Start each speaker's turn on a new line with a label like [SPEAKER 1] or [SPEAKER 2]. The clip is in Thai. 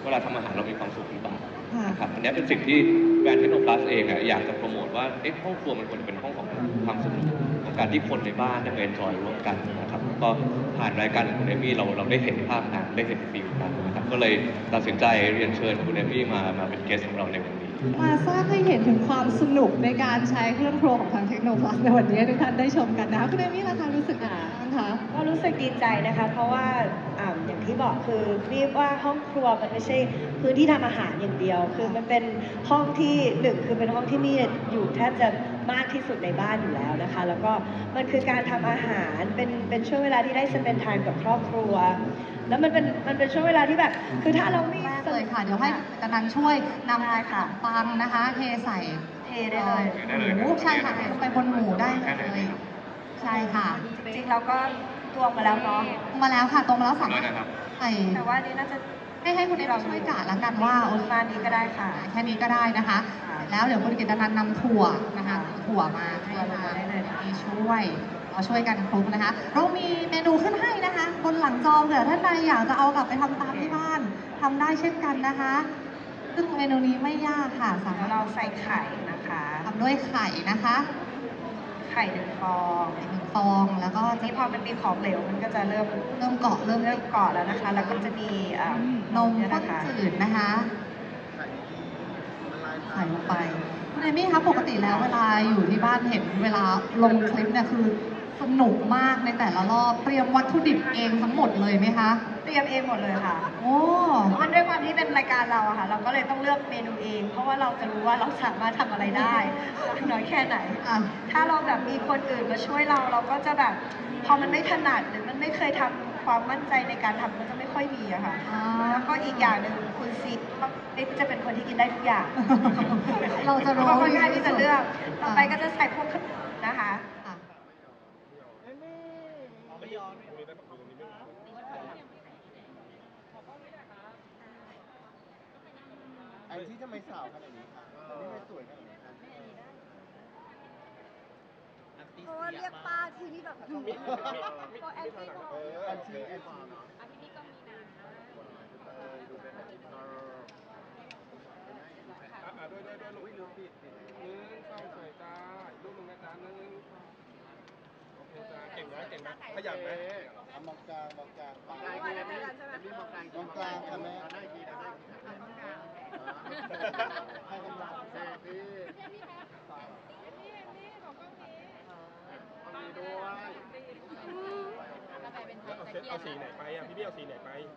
[SPEAKER 1] เวลาทำอาหารเรามีความสุขหรือเปล่านะครับอันนี้เป็นสิ่งที่แบรนด์เทคโนพลัสเองอยากจะโปรโมทว่าห้องครัวมันควรจะเป็นห้องของความสนุกของการที่คนในบ้านได้มาเอนจอยร่วมกันนะครับก็ผ่านรายการของคุณเอมี่เราได้เห็นภาพนั้นได้เห็นฟีลนั้นนะครับก็เลยตัดสินใจเรียนเชิญคุณเอมี่มาเป็นเกสของเราในวันนี้
[SPEAKER 2] มาสร้างให้เห็นถึงความสนุกในการใช้เครื่องครัวของทางเทคโนพลัสในวันนี้ทุกท่านได้ชมกันนะคะคุณเอมี่ล่ะคะรู้สึกยังไงบ้างคะ
[SPEAKER 3] ก็รู้สึกดีใจนะคะเพราะว่าอย่างที่บอกคือเรียกว่าห้องครัวมันไม่ใช่พื้นที่ทำอาหารอย่างเดียวคือมันเป็นห้องที่หนึ่งคือเป็นห้องที่มีอยู่แทบจะมากที่สุดในบ้านอยู่แล้วนะคะแล้วก็มันคือการทำอาหารเป็นช่วงเวลาที่ได้สเปนไทม์กับครอบครัวแล้วมันเป็นช่วงเวลาที่แบบคือถ้าเราไม่
[SPEAKER 2] เลยค่ะเดี๋ยวให้กำนันช่วยนำขนมปังนะคะเทใส่
[SPEAKER 3] ได้เลย
[SPEAKER 2] หมูใช่ค่ะลงไปบนหมูได้เลยใช่ค่ะ
[SPEAKER 3] จริงๆเราก็ตวงมาแล้วเนาะ
[SPEAKER 2] ตวงมาแล้วค่ะตวงมาแล้วสามารถใส่
[SPEAKER 3] แต่ว่านี้น่าจะ
[SPEAKER 2] ให้คุณเอเราช่วยกะแล้วกันว่า
[SPEAKER 3] ประมาณนี้ก็ได้ค่ะ
[SPEAKER 2] แค่นี้ก็ได้นะคะแล้วเดี๋ยวคุณกิตนันนำถั่วนะคะถั่วมาให้มาช่วยเราช่วยกันคลุกนะคะเรามีเมนูขึ้นให้นะคะบนหลังจอเผื่อท่านใดอยากจะเอากลับไปทำตามที่บ้านทำได้เช่นกันนะคะซึ่งเมนูนี้ไม่ยากค่ะสามารถ
[SPEAKER 3] เราใส่ไข่นะคะ
[SPEAKER 2] ทำด้วยไข่นะคะ
[SPEAKER 3] ไข่1 ฟ
[SPEAKER 2] องแล้วก็
[SPEAKER 3] นี่พอมันมีของเหลวมันก็จะเริ่ม
[SPEAKER 2] เกาะเริ่ม
[SPEAKER 3] เกาะแล้วนะคะแล้วก็จะมี
[SPEAKER 2] นมข้นจืดนะคะใส่ลงไปคุณเอมี่คะปกติแล้วเวลาอยู่ที่บ้านเห็นเวลาลงคลิปเนี่ยคือสนุกมากในแต่ละรอบเตรียมวัตถุดิบเองทั้งหมดเลยไหมคะ
[SPEAKER 3] เตรียมเองหมดเลยค่ะ
[SPEAKER 2] โอ้
[SPEAKER 3] มันด้วยความที่เป็นรายการเราอะค่ะเราก็เลยต้องเลือกเมนูเองเพราะว่าเราจะรู้ว่าเราสามารถทำอะไรได้น้อยแค่ไหนถ้าเราแบบมีคนอื่นมาช่วยเราก็จะแบบพอมันไม่ถนัดหรือมันไม่เคยทำความมั่นใจในการทำมันจะไม่ค่อยมีอะค่ะแล้วก็อีกอย่างหนึ่งคุณซีจะเป็นคนที่กินได้ทุกอย่าง
[SPEAKER 2] เราจะรู้
[SPEAKER 3] คนง่ายที่จะเลือกต่อไปก็จะใส่พวกนะคะ
[SPEAKER 4] อันที่ทำไมสาวขนาดนี้คะอันนี้ไม่สวยขนาดนี้คะ
[SPEAKER 3] เพราะว่าเรียกป้าทีนี่แบบดูก็แอนตี้เนาะ
[SPEAKER 4] อันที่เนาะ
[SPEAKER 3] อันที่ก็มีนะ
[SPEAKER 4] ดูเป็นด้วยลูกลืมปิด
[SPEAKER 5] เข้าสวยจ้าลูกมึงนะจ้าโอเคจ้าเก่งไหมขยันไหม
[SPEAKER 4] มองกลางมองกลางมองกลางมองกลางค่ะแม่ได้ทีได้ให้กำลังใจพี่
[SPEAKER 5] เอาสีไหนไปพี่เอาสีไหนไป